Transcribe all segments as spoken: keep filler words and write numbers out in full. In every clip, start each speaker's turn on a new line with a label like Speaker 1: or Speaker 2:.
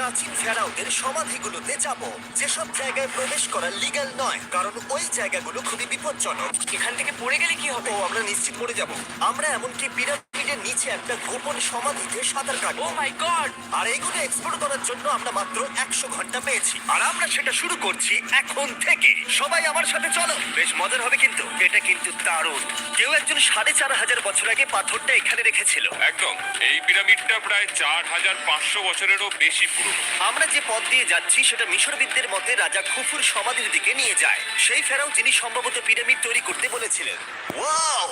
Speaker 1: প্রাচীন ফেরাওদের সমাধিগুলোতে যাব, যেসব জায়গায় প্রবেশ করা লিগ্যাল নয়, কারণ ওই জায়গাগুলো খুবই বিপজ্জনক।
Speaker 2: এখান থেকে পড়ে গেলে কি হবে?
Speaker 1: ও আমরা নিশ্চিত পড়ে যাব। আমরা এমনকি পিরামিডের নিচে একটা গোপন সমাধিতে সাঁতার
Speaker 2: ও
Speaker 1: কাটবো।
Speaker 2: মাই গড!
Speaker 1: আর এইগুলো এক্সপ্লোর করার জন্য আমরা মাত্র একশো ঘন্টা পেয়েছি, আর আমরা সেটা শুরু করছি এখন থেকে। সবাই আমার সাথে চলো, বেশ মজার হবে কিন্তু। এটা কিন্তু দারুণ। কেউ একজন সাড়ে চার হাজার বছর আগে পাথরটা এখানে রেখেছিল।
Speaker 3: একদম, এই পিরামিডটা প্রায় চার হাজার পাঁচশো বছরেরও বেশি পুরনো।
Speaker 1: আমরা যে পথ দিয়ে যাচ্ছি সেটা মিশরবিদদের মতে রাজা খুফুর সমাধির দিকে নিয়ে যায়, সেই ফেরাও যিনি সম্ভবত পিরামিড তৈরি করতে বলেছিলেন। ওয়াও!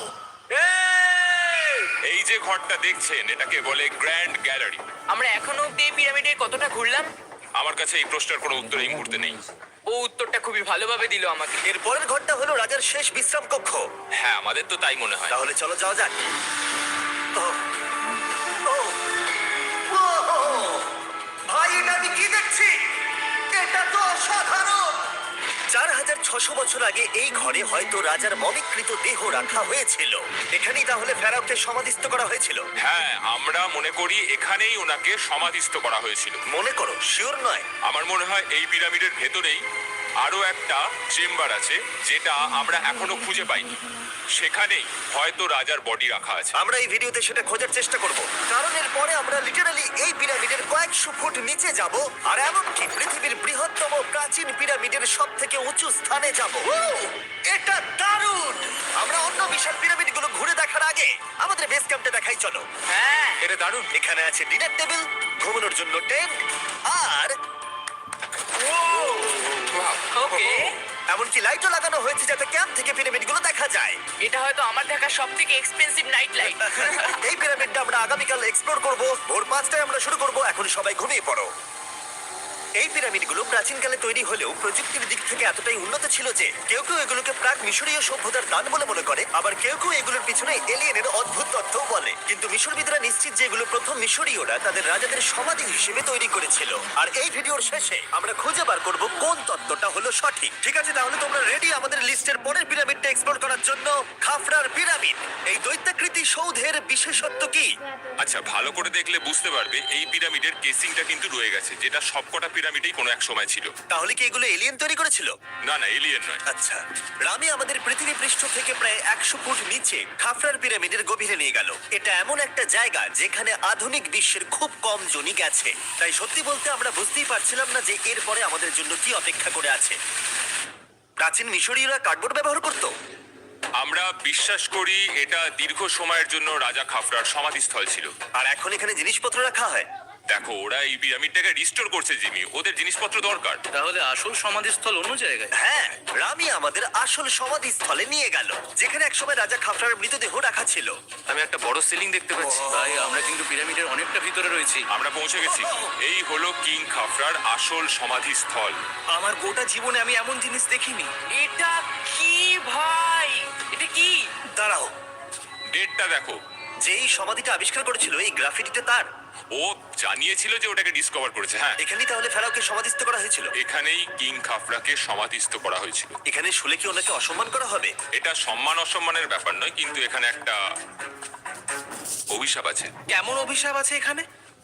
Speaker 3: এই যে ঘরটা দেখছেন, এটাকে বলে গ্র্যান্ড গ্যালারি।
Speaker 2: আমরা এখনো অব্দি এই পিরামিডে কতটা ঘুরলাম?
Speaker 3: আমার কাছে এই প্রশ্নের কোনো উত্তর এই মুহূর্তে নেই।
Speaker 2: ও উত্তরটা খুবই ভালোভাবে দিল আমাকে।
Speaker 1: এর পরের ঘরটা হলো রাজার শেষ বিশ্রাম কক্ষ।
Speaker 3: হ্যাঁ, আমাদের তো তাই মনে হয়।
Speaker 1: তাহলে চলো যাওয়া যাক। ওহ, ওহ, ওহ! ভাই, এটা আমি কি দেখছি? এটা তো অসাধারণ! চার হাজার ছশো বছর আগে এই ঘরে হয়তো রাজার মমিকৃত দেহ রাখা হয়েছিল। এখানেই তাহলে ফেরাওকে সমাধিস্থ করা হয়েছিল।
Speaker 3: হ্যাঁ, আমরা মনে করি এখানেই ওনাকে সমাধিস্থ করা হয়েছিল।
Speaker 1: মনে করো, শিওর নয়।
Speaker 3: আমার মনে হয় এই পিরামিডের ভেতরেই আরো একটা চেম্বার আছে, যেটা আমরা এখনো খুঁজে পাইনি। সেখানেই হয়তো রাজার বডি রাখা আছে।
Speaker 1: আমরা এই ভিডিওতে সেটা খোঁজার চেষ্টা করব, কারণ এর পরে আমরা লিটারালি এই পিরামিডের কয়েকশো ফুট নিচে যাব, আর এমনকি পৃথিবীর বৃহত্তম প্রাচীন পিরামিডের সব থেকে উঁচু স্থানে যাব। এটা দারুণ! আমরা অন্য বিশাল পিরামিডগুলো ঘুরে দেখার আগে আমাদের বেস ক্যাম্পটা দেখাই চলো।
Speaker 2: হ্যাঁ,
Speaker 3: এটা দারুণ।
Speaker 1: এখানে আছে ডিনার টেবিল, ঘুমানোর জন্য টেন্ট, আর
Speaker 2: ওকে।
Speaker 1: এমনকি লাইটও লাগানো হয়েছে যাতে ক্যাম্প থেকে পিরামিডগুলো দেখা যায়।
Speaker 2: এটা হয়তো আমার দেখা সব থেকে এক্সপেন্সিভ নাইট লাইট।
Speaker 1: এই পিরামিডটা আমরা আগামীকাল এক্সপ্লোর করব। ভোর পাঁচটায় আমরা শুরু করব। এখন সবাই ঘুমিয়ে পড়ো। এই পিরামিডগুলো প্রাচীনকালে তৈরি হলেও প্রযুক্তির দিক থেকে এতটাই উন্নত ছিল যে কেউ কেউ এগুলোকে প্রাক মিশরীয় সভ্যতার দান বলে মনে করে, আবার কেউ কেউ এগুলোর পিছনে এলিয়েনের অদ্ভুত তথ্যও বলে। কিন্তু মিশরবিদরা নিশ্চিত যে এগুলো প্রথম মিশরীয়রা তাদের রাজাদের সমাধি হিসেবে তৈরি করেছিল। আর এই ভিডিওর শেষে আমরা খুঁজে বার করব কোন তত্ত্বটা হলো সঠিক। ঠিক আছে, তাহলে তোমরা রেডি আমাদের লিস্টের পরের পিরামিডটা এক্সপ্লোর করার জন্য? খাফরার পিরামিড। এই দৈত্যাকৃতি সৌধের বিশেষত্ব কি?
Speaker 3: আচ্ছা, ভালো করে দেখলে বুঝতে পারবে এই পিরামিডের কেসিংটা কিন্তু রয়ে গেছে, যেটা সবকটা পিরামিডেই কোনো এক সময় ছিল।
Speaker 1: তাহলে কি এগুলো এলিয়েন তৈরি করেছিল?
Speaker 3: না না, এলিয়েন নয়।
Speaker 1: আচ্ছা, রামি আমাদের পৃথিবী পৃষ্ঠ থেকে প্রায় একশো ফুট নিচে খাফরার পিরামিডের গভীরে নিয়ে গেল। এটা এমন একটা জায়গা যেখানে আধুনিক বিশ্বের খুব কম জনই গেছে, তাই সত্যি বলতে আমরা বুঝতেই পারছিলাম না যে এরপরে আমাদের জন্য কি অপেক্ষা করে আছে। প্রাচীন মিশরীয়রা কার্ডবোর্ড ব্যবহার করত।
Speaker 3: আমরা বিশ্বাস করি এটা দীর্ঘ সময়ের জন্য রাজা খাফরার সমাধিস্থল ছিল।
Speaker 1: আর এখন এখানে জিনিসপত্র রাখা হয়।
Speaker 3: দেখো, ওরা এই পিরামিডটাকে রিস্টোর করছে জিমি, ওদের জিনিসপত্র দরকার।
Speaker 4: তাহলে আসল সমাধিস্থল অন্য জায়গায়?
Speaker 1: হ্যাঁ, রামি আমাদের আসল সমাধিস্থলে নিয়ে গেল, যেখানে একসময় রাজা খাফরার মৃতদেহ রাখা ছিল।
Speaker 4: আমি একটা বড় সিলিং দেখতে পাচ্ছি। ভাই, আমরা কিন্তু পিরামিডের অনেকটা ভিতরে রয়েছি।
Speaker 3: আমরা পৌঁছে গেছি। এই হলো কিং খাফরার আসল সমাধিস্থল।
Speaker 4: আমার গোটা জীবনে আমি এমন জিনিস দেখিনি।
Speaker 2: এটা কি ভাই? এটা কি?
Speaker 1: দাঁড়াও,
Speaker 3: ডেটটা দেখো।
Speaker 1: যেই সমাধিটা আবিষ্কার করেছিল এই গ্রাফিটিটা তার।
Speaker 3: ও জানিয়েছিল যে ওটাকে ডিসকভার করেছে। হ্যাঁ,
Speaker 1: এখানেই তাহলে ফেরাওকে সমাধিস্থ করা হয়েছিল।
Speaker 3: এখানেই কিং খাফরাকে সমাধিস্থ করা হয়েছিল।
Speaker 1: এখানে শুলে কি ওনাকে অসম্মান করা হবে?
Speaker 3: এটা সম্মান অসম্মানের ব্যাপার নয়, কিন্তু এখানে একটা অভিশাপ আছে।
Speaker 4: কেমন অভিশাপ আছে এখানে?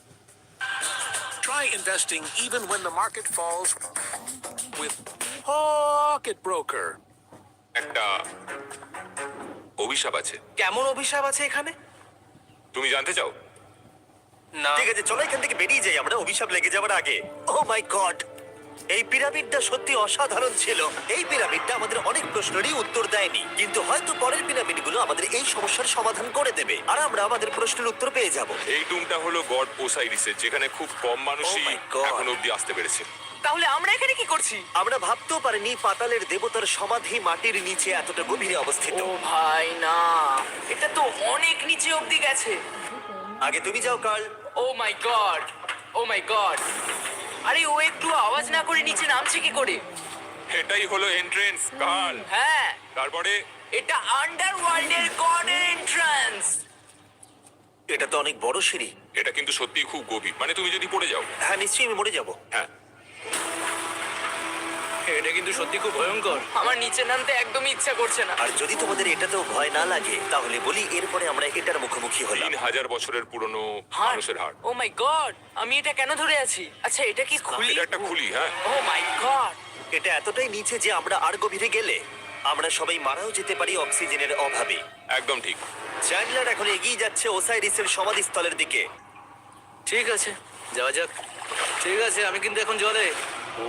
Speaker 5: Try investing even when the market falls with Pocket Broker.
Speaker 3: একটা অভিশাপ আছে।
Speaker 4: কেমন অভিশাপ আছে এখানে?
Speaker 3: তুমি জানতে চাও?
Speaker 4: না।
Speaker 1: ঠিক আছে, চলো এখান থেকে বেরিয়ে যাই আমরা অভিশাপ লেগে যাওয়ার আগে। ও মাই গড, এই পিরামিডটা সত্যি অসাধারণ ছিল। এই পিরামিডটা আমাদের অনেক প্রশ্নেরই উত্তর দেয়নি, কিন্তু হয়তো পরের পিরামিডগুলো আমাদের এই সমস্যার সমাধান করে দেবে, আর আমরা আমাদের প্রশ্নের উত্তর পেয়ে যাব।
Speaker 3: এই টুমটা হলো গড ওসাইরিসের, যেখানে খুব কম মানুষই
Speaker 1: Oh my God.
Speaker 3: এখন অব্দি আসতে পেরেছে।
Speaker 2: তাহলে আমরা এখানে কি করছি?
Speaker 1: আমরা ভাবতেও পারিনি পাতালের দেবতার সমাধি মাটির নিচে এতটা গভীরে অবস্থিত।
Speaker 2: ও ভাই না, এটা তো অনেক নিচে অব্দি গেছে।
Speaker 1: আগে তুমি যাও Carl.
Speaker 2: Oh my god, oh my god! আরে ও একটু আওয়াজ না করে নিচে নামছে কি করে?
Speaker 3: এটাই হলো এন্ট্রেন্স কাল।
Speaker 2: হ্যাঁ,
Speaker 3: তারপরে
Speaker 2: এটা আন্ডারওয়ার্ল্ডের গডের এন্ট্রান্স।
Speaker 1: এটা তো অনেক বড় সিঁড়ি।
Speaker 3: এটা কিন্তু সত্যিই খুব গভীর, মানে তুমি যদি পড়ে যাও।
Speaker 1: হ্যাঁ, নিশ্চয়ই আমি মরে যাব।
Speaker 3: হ্যাঁ,
Speaker 4: এটা কিন্তু সত্যি খুব ভয়ঙ্কর।
Speaker 2: আমার নিচে নামতে একদমই ইচ্ছা করছে না।
Speaker 1: আর যদি তোমাদের এটাতেও ভয় না লাগে তাহলে বলি এরপরে আমরা এটার মুখোমুখি হলাম।
Speaker 3: তিন হাজার বছরের পুরনো
Speaker 2: হার্ট,
Speaker 3: মানুষের হাড়।
Speaker 2: ও মাই গড, আমি এটা কেন ধরে আছি? আচ্ছা এটা কি খুলি?
Speaker 3: এটা একটা খুলি, হ্যাঁ।
Speaker 2: ও মাই গড,
Speaker 1: এটা এতটাই নিচে যে আমরা আর গভীরে গেলে আমরা সবাই মারাও যেতে পারি অক্সিজেনের অভাবে।
Speaker 3: একদম ঠিক।
Speaker 1: চ্যান্ডলার এখন এগিয়ে যাচ্ছে ওসাইরিসের সমাধিস্থলের দিকে।
Speaker 4: ঠিক আছে, যাওয়া যাক। ঠিক আছে, আমি কিন্তু এখন জলে। ও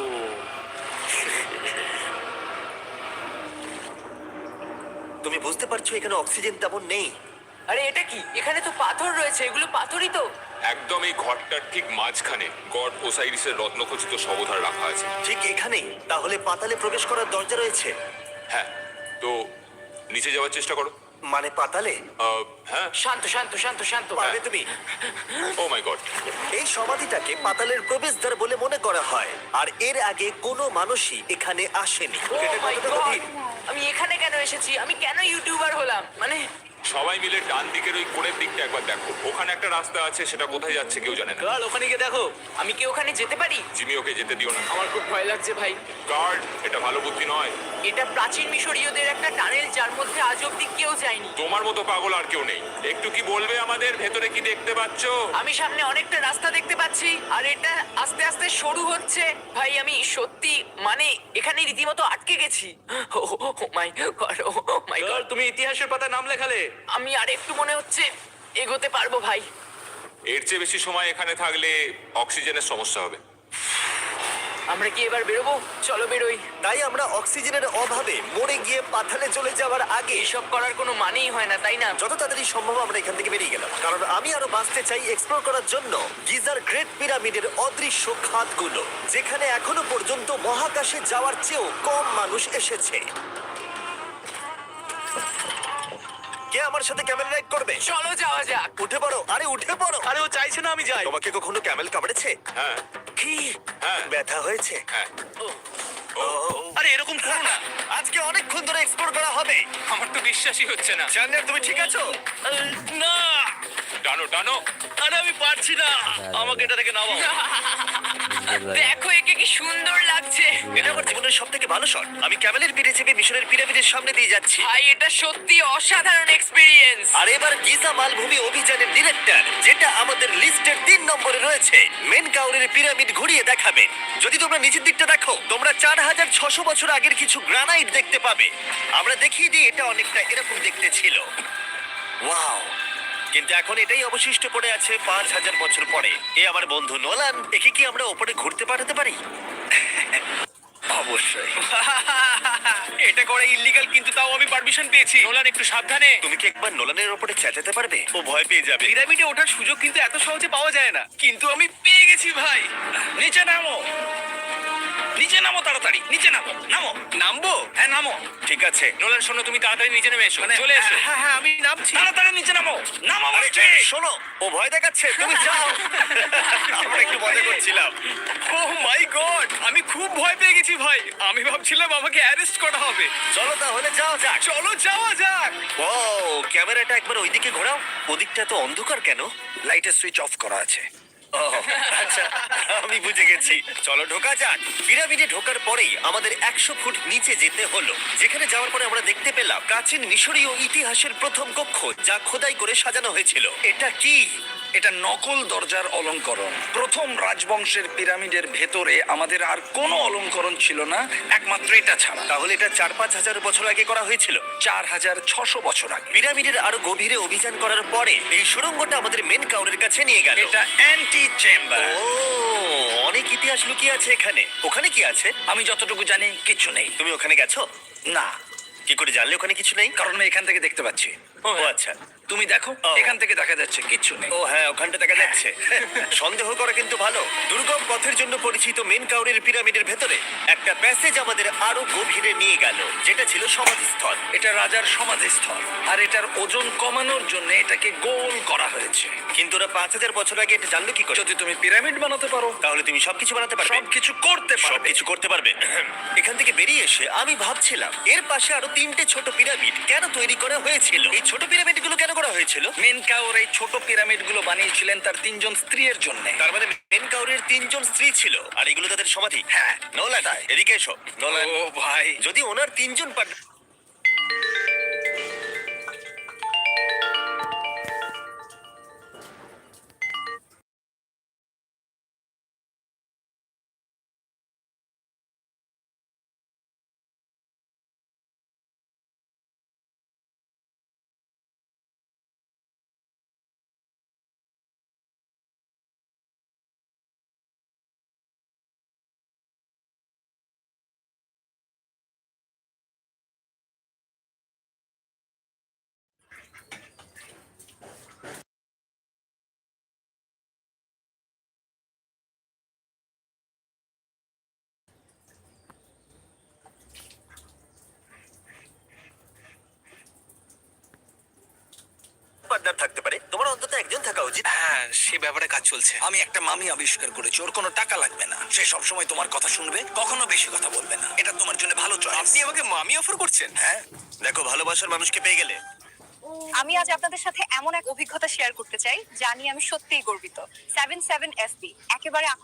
Speaker 1: তুমি বুঝতে পারছো এখানে অক্সিজেন তেমন নেই।
Speaker 2: আরে এটা কি? এখানে তো পাথর রয়েছে, এগুলো পাথরই তো।
Speaker 3: একদম এই ঘরটার ঠিক মাঝখানে গড ওসাইরিসের রত্নখচিত শবধার রাখা আছে।
Speaker 1: ঠিক এখানেই তাহলে পাতালে প্রবেশ করার দরজা রয়েছে?
Speaker 3: হ্যাঁ, তো নিচে যাওয়ার চেষ্টা করো।
Speaker 1: মানে পাতালে?
Speaker 3: আহ, হ্যাঁ।
Speaker 2: শান্ত শান্ত শান্ত শান্ত।
Speaker 1: পারবে তুমি?
Speaker 3: Oh my god.
Speaker 1: এই সমাধিটাকে পাতালের প্রবেশদ্বার বলে মনে করা হয়, আর এর আগে কোনো মানুষই এখানে আসেনি।
Speaker 2: ও
Speaker 1: এটা
Speaker 2: মাই
Speaker 1: কতটা
Speaker 2: গড,
Speaker 1: গভীর?
Speaker 2: আমি এখানে কেন এসেছি? আমি কেন ইউটিউবার হলাম? মানে
Speaker 3: সবাই মিলে ডান দিকের ওই কোণের দিকটা একবার দেখো। ওখানে একটা রাস্তা আছে, সেটা কোথায় যাচ্ছে কেউ জানে না।
Speaker 4: কাল ওখানে গিয়ে দেখো।
Speaker 2: আমি কি ওখানে যেতে পারি?
Speaker 3: জিমি, ওকে যেতে দিও না।
Speaker 2: আমার খুব ভয় লাগছে ভাই।
Speaker 3: গার্ড, এটা ভালো বুদ্ধি নয়।
Speaker 2: এটা প্রাচীন মিশরীয়দের একটা টানেল যার মধ্যে আজ অব্দি কেউ যায়নি।
Speaker 3: তোমার মতো পাগল আর কেউ নেই। একটু কি বলবে আমাদের ভেতরে কি দেখতে পাচ্ছ?
Speaker 2: আমি সামনে অনেকটা রাস্তা দেখতে পাচ্ছি আর এটা আস্তে আস্তে সরু হচ্ছে। ভাই আমি সত্যি মানে এখানে রীতিমতো আটকে গেছি। ও মাই গড, ও মাই
Speaker 4: কাল
Speaker 2: গড।
Speaker 4: তুমি ইতিহাসের পাতায় নাম লেখালে।
Speaker 2: আমি আর একটু মনে হচ্ছে এগোতে পারবো ভাই।
Speaker 3: এর চেয়ে বেশি সময় এখানে থাকলে অক্সিজেনের সমস্যা হবে।
Speaker 2: আমরা কি এবার বেরোবো? চলো বেরোই।
Speaker 1: তাই আমরা অক্সিজেনের অভাবে মরে গিয়ে পাতালে চলে যাওয়ার আগে
Speaker 2: এসব করার কোনো মানেই হয় না, তাই না?
Speaker 1: যত তাড়াতাড়ি সম্ভব আমরা এখান থেকে বেরিয়ে গেলাম, কারণ আমি আরো বাঁচতে চাই এক্সপ্লোর করার জন্য গিজার গ্রেট পিরামিডের অদৃশ্য খাতগুলো, যেখানে এখনো পর্যন্ত মহাকাশে যাওয়ার চেয়েও কম মানুষ এসেছে। কে আমার সাথে ক্যামেল রাইড করবে?
Speaker 2: চলো যাওয়া যাক।
Speaker 1: উঠে পড়ো, আরে উঠে পড়ো।
Speaker 4: আরে ও চাইছে না আমি যাই।
Speaker 1: তোমাকে কখনো ক্যামেল কামড়েছে?
Speaker 3: হ্যাঁ,
Speaker 1: কি
Speaker 3: হ্যাঁ।
Speaker 1: ব্যথা হয়েছে?
Speaker 3: হ্যাঁ।
Speaker 1: ও,
Speaker 4: আরে এরকম করো না।
Speaker 1: আজকে অনেকক্ষণ ধরে এক্সপ্লোর করা হবে।
Speaker 3: আমার তো বিশ্বাসই হচ্ছে না।
Speaker 1: জানলার তুমি ঠিক আছো?
Speaker 4: না,
Speaker 3: টানো টানো।
Speaker 4: আরে আমি পারছি না। আমাকে এটা থেকে নামাও।
Speaker 2: দেখো একে কি সুন্দর লাগছে।
Speaker 1: এটা আমার জীবনের সব থেকে ভালো শট। আমি ক্যামেলের পিঠে চেপে মিশরের পিরামিডের সামনে দিয়ে যাচ্ছি।
Speaker 2: ভাই এটা সত্যি অসাধারণ এক্সপিরিয়েন্স।
Speaker 1: আর এবার গিজা মালভূমি অভিযানের ডিরেক্টর, যেটা আমাদের লিস্টের তিন নম্বরে রয়েছে, মেন কাউরের পিরামিড ঘুরিয়ে দেখাবে। যদি তোমরা নিচের দিকটা দেখো, তোমরা চার হাজার ছশো বছর আগের কিছু গ্রানাইট দেখতে পাবে। আমরা দেখিয়ে দিই, এটা অনেকটা এরকম দেখতে ছিল। ওয়াও! কিন্তু এখন এটাই অবশিষ্ট পড়ে আছে পাঁচ হাজার বছর পরে। এ আমার বন্ধু নোলান, একে কি আমরা ওপরে ঘুরতে পাঠাতে পারি? অবশ্যই।
Speaker 4: এটা করা ইল্লিগাল, কিন্তু তাও আমি পারমিশন পেয়েছি। নোলান একটু সাবধানে।
Speaker 1: তুমি কি একবার নোলানের ওপরে চেঁচাতে পারবে? ও ভয় পেয়ে যাবে।
Speaker 4: পিরামিডে ওঠার সুযোগ কিন্তু এত সহজে পাওয়া যায় না, কিন্তু আমি পেয়ে গেছি ভাই। নিচে নামো, নিচে নামো, তাড়াতাড়ি নিচে নামো। নামো। নামবো? হ্যাঁ নামো।
Speaker 1: ঠিক আছে।
Speaker 4: নোলান শোনো, তুমি তাড়াতাড়ি নিচে নেমে এসো। চলে এসো।
Speaker 1: হ্যাঁ হ্যাঁ আমি নামছি।
Speaker 4: তাড়াতাড়ি নিচে নামো। নামো
Speaker 1: আরে
Speaker 4: বলছি।
Speaker 1: শোনো, ও ভয় দেখাচ্ছে, তুমি যাও। আমরা একটু মজা করছিলাম।
Speaker 4: ও মাই গড, আমি খুব ভয় পেয়ে গেছি ভাই। আমি ভাবছিলাম আমাকে অ্যারেস্ট করা হবে।
Speaker 1: চলো তাহলে যাও যাক।
Speaker 4: চলো যাওয়া যাক।
Speaker 1: ও ক্যামেরাটা একবার ওইদিকে ঘোরাও। ওদিকটা তো অন্ধকার কেন? লাইটের সুইচ অফ করা আছে। ও, আচ্ছা, আমি বুঝে গেছি। চলো ঢোকা যাক। পিরামিডে ঢোকার পরেই আমাদের একশো ফুট নিচে যেতে হলো, যেখানে যাওয়ার পরে আমরা দেখতে পেলাম প্রাচীন মিশরীয় ইতিহাসের প্রথম কক্ষ, যা খোদাই করে সাজানো হয়েছিল। এটা কি?
Speaker 6: এটা নকল দরজার অলঙ্করণ। প্রথম রাজবংশের পিরামিডের ভেতরে আমাদের আর কোনো অলঙ্করণ ছিল না, একমাত্র এটা ছাড়া।
Speaker 1: তাহলে এটা চার পাঁচ হাজার বছর আগে করা হয়েছিল।
Speaker 6: চার হাজার ছশো বছর আগে।
Speaker 1: পিরামিডের আরো গভীরে অভিযান করার পরে এই সুড়ঙ্গটা আমাদের মেন কাউরের কাছে নিয়ে গেল।
Speaker 6: এটা অ্যান্টি চেম্বার।
Speaker 1: ও, অনেক ইতিহাস লুকিয়ে আছে এখানে। ওখানে কি আছে?
Speaker 6: আমি যতটুকু জানি কিছু নেই।
Speaker 1: তুমি ওখানে গেছো?
Speaker 6: না,
Speaker 1: কি করে জানলে ওখানে কিছু নেই?
Speaker 6: কারণ আমি এখান থেকে দেখতে পাচ্ছি।
Speaker 1: ও আচ্ছা।
Speaker 6: তুমি দেখো,
Speaker 1: ও।
Speaker 6: এখান থেকে দেখা যাচ্ছে কিচ্ছু নেই।
Speaker 1: ও হ্যাঁ, ওখানটা দেখা যাচ্ছে। সন্দেহ করা কিন্তু ভালো। দুর্গম পথের জন্য পরিচিত মেন কাউরের পিরামিডের ভেতরে একটা প্যাসেজ আমাদের আরো গভীরে নিয়ে গেল, যেটা ছিল সমাধিস্থল।
Speaker 6: এটা রাজার সমাধিস্থল, আর এটার ওজন কমানোর জন্য এটাকে গোল করা হয়েছে।
Speaker 1: কিন্তু ওরা পাঁচ হাজার বছর আগে এটা জানলো কি করে?
Speaker 6: যদি তুমি পিরামিড বানাতে পারো,
Speaker 1: তাহলে তুমি সবকিছু বানাতে পারবে।
Speaker 6: সবকিছু করতে পারবে।
Speaker 1: সবকিছু করতে পারবে। এখান থেকে বেরিয়ে এসে আমি ভাবছিলাম, এর পাশে আরো তিনটে ছোট পিরামিড কেন তৈরি করা হয়েছিল? এই ছোট পিরামিডগুলো কেন করা হয়েছিল?
Speaker 6: মেনকাওর এই ছোট পিরামিডগুলো বানিয়েছিলেন তার তিনজন স্ত্রীর জন্য।
Speaker 1: তার মানে মেনকাউরের তিনজন স্ত্রী ছিল আর এগুলো তাদের সমাধি।
Speaker 6: হ্যাঁ।
Speaker 1: নোলান, এদিকে এসো। নোলান,
Speaker 4: ও ভাই,
Speaker 1: যদি ওনার তিনজন পার্ট পার্টনার থাকতে পারে, তোমার অন্তত একজন থাকা উচিত।
Speaker 4: হ্যাঁ সে ব্যাপারে কাজ চলছে।
Speaker 6: আমি একটা মামি আবিষ্কার করেছি, ওর কোনো টাকা লাগবে না, সে সব সময় তোমার কথা শুনবে, কখনো বেশি কথা বলবে না। এটা তোমার জন্য ভালো চয়েস।
Speaker 4: আপনি আমাকে মামি অফার করছেন?
Speaker 6: হ্যাঁ।
Speaker 1: দেখো, ভালোবাসার মানুষকে পেয়ে গেলে।
Speaker 7: আমি আজ আপনাদের সাথে এমন এক অভিজ্ঞতা শেয়ার করতে চাই যা নিয়ে আমি সত্যিই গর্বিত। সেভেন সেভেন এফ বি একেবারে আ-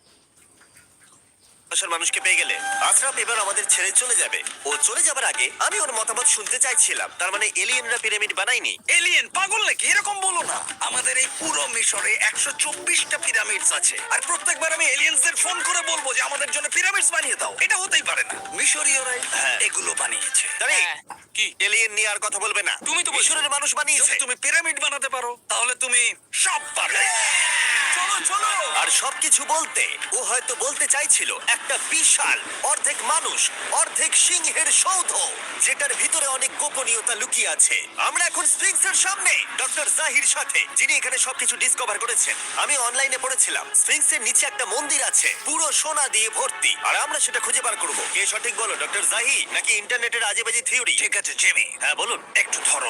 Speaker 1: ভালোবাসার মানুষকে পেয়ে গেলে আশরাফ এবার আমাদের ছেড়ে চলে যাবে। ও চলে যাবার আগে আমি ওর মতামত শুনতে চাইছিলাম। তার মানে এলিয়েনরা পিরামিড বানায়নি?
Speaker 6: এলিয়েন পাগল নাকি? এরকম বলো না। আমাদের এই পুরো মিশরে একশো চব্বিশটা পিরামিডস আছে, আর প্রত্যেকবার আমি এলিয়েন্সদের ফোন করে বলবো যে আমাদের জন্য পিরামিডস বানিয়ে দাও। এটা হতেই পারে না। মিশরীয়রাই
Speaker 1: হ্যাঁ।
Speaker 6: এগুলো বানিয়েছে।
Speaker 1: তারে,
Speaker 2: হ্যাঁ।
Speaker 1: কি এলিয়েন নিয়ে আর কথা বলবে না?
Speaker 6: তুমি তো বলছো।
Speaker 1: মিশরের মানুষ বানিয়েছে।
Speaker 6: যদি তুমি পিরামিড বানাতে পারো তাহলে তুমি সব পারবে। চলো চলো।
Speaker 1: আর সবকিছু বলতে ও হয়তো বলতে চাইছিল একটা বিশাল অর্ধেক মানুষ অর্ধেক সিংহের সৌধ, যেটার ভিতরে অনেক গোপনীয়তা লুকিয়ে আছে। আমরা এখন স্ফিংসের সামনে ডক্টর জাহির সাথে, যিনি এখানে সবকিছু ডিসকভার করেছেন। আমি অনলাইনে পড়েছিলাম স্ফিংসের নিচে একটা মন্দির আছে পুরো সোনা দিয়ে ভর্তি, আর আমরা সেটা খুঁজে বার করব। কে সঠিক বলো, ডক্টর জাহি নাকি ইন্টারনেটের আজেবাজে থিওরি?
Speaker 6: ঠিক আছে জিমি,
Speaker 1: হ্যাঁ বলুন।
Speaker 6: একটু ধরো।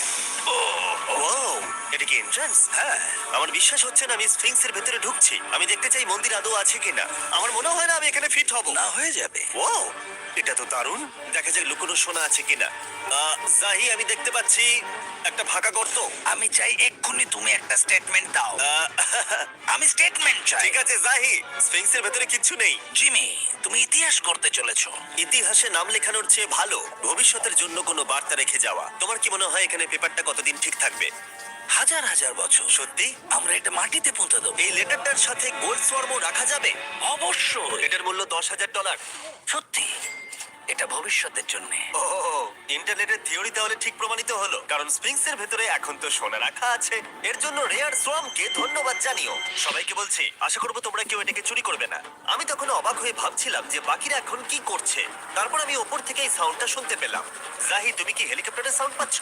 Speaker 1: ও, এটা কি এন্ট্রান্স?
Speaker 6: হ্যাঁ।
Speaker 1: আমার বিশ্বাস হচ্ছে না আমি স্ফিংসের ভেতরে ঢুকছি। আমি দেখতে চাই মন্দির আদৌ আছে কিনা। আমার মনে হয় না আমি এখানে ফিট হব।
Speaker 6: না হয়ে যাবে।
Speaker 1: ও, এটা তো দারুণ। দেখা যাক লুকোনো সোনা আছে কিনা। আহ, জাহি, আমি দেখতে পাচ্ছি একটা ফাঁকা গর্ত।
Speaker 6: আমি চাই এক্ষুনি তুমি একটা স্টেটমেন্ট দাও।
Speaker 1: আহ,
Speaker 6: আমি স্টেটমেন্ট চাই।
Speaker 1: ঠিক আছে জাহি, স্ফিংসের ভেতরে কিচ্ছু নেই।
Speaker 6: জিমি, তুমি ইতিহাস করতে চলেছো।
Speaker 1: ইতিহাসে নাম লেখানোর চেয়ে ভালো ভবিষ্যতের জন্য কোনো বার্তা রেখে যাওয়া। তোমার কি মনে হয় এখানে পেপারটা কতদিন ঠিক থাকবে?
Speaker 6: হাজার হাজার বছর।
Speaker 1: সত্যি?
Speaker 6: আমরা এটা মাটিতে পুঁতে দেবো।
Speaker 1: এই লেটারটার সাথে গোল্ড সোয়ার্মও রাখা যাবে?
Speaker 6: অবশ্যই।
Speaker 1: এটার মূল্য দশ হাজার ডলার।
Speaker 6: সত্যি, এটা ভবিষ্যতের জন্য।
Speaker 1: ও, ইন্টারনেটের থিওরি তাহলে ঠিক প্রমাণিত হলো, কারণ স্প্রিংসের ভেতরে এখন তো সোনা রাখা আছে। এর জন্য রেয়ার সোয়ামকে ধন্যবাদ জানিও। সবাইকে বলছি, আশা করবো তোমরা কেউ এটাকে চুরি করবে না। আমি তখন অবাক হয়ে ভাবছিলাম যে বাকিরা এখন কি করছে। তারপর আমি ওপর থেকে এই সাউন্ডটা শুনতে পেলাম। জাহি, তুমি কি হেলিকপ্টারের সাউন্ড পাচ্ছ?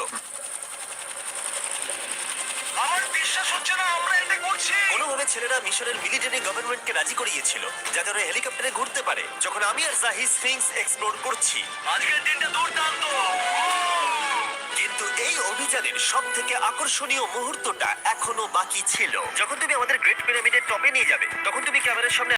Speaker 6: আমার বিশ্বাস হচ্ছে না আমরা এটা করছি।
Speaker 1: কোনোভাবে ছেলেরা মিশরের মিলিটারি গভর্নমেন্টকে রাজি করিয়েছিল যাতে ওরা হেলিকপ্টারে ঘুরতে পারে যখন আমি আর জাহি স্ফিংস এক্সপ্লোর করছি।
Speaker 6: আজকের দিনটা দুর্দান্ত।
Speaker 1: কিন্তু এই অভিযানের সব থেকে আকর্ষণীয় মুহূর্তটা এখনো বাকি ছিল। যখন তুমি আমাদের গ্রেট পিরামিডের টপে নিয়ে যাবে তখন তুমি ক্যামেরার সামনে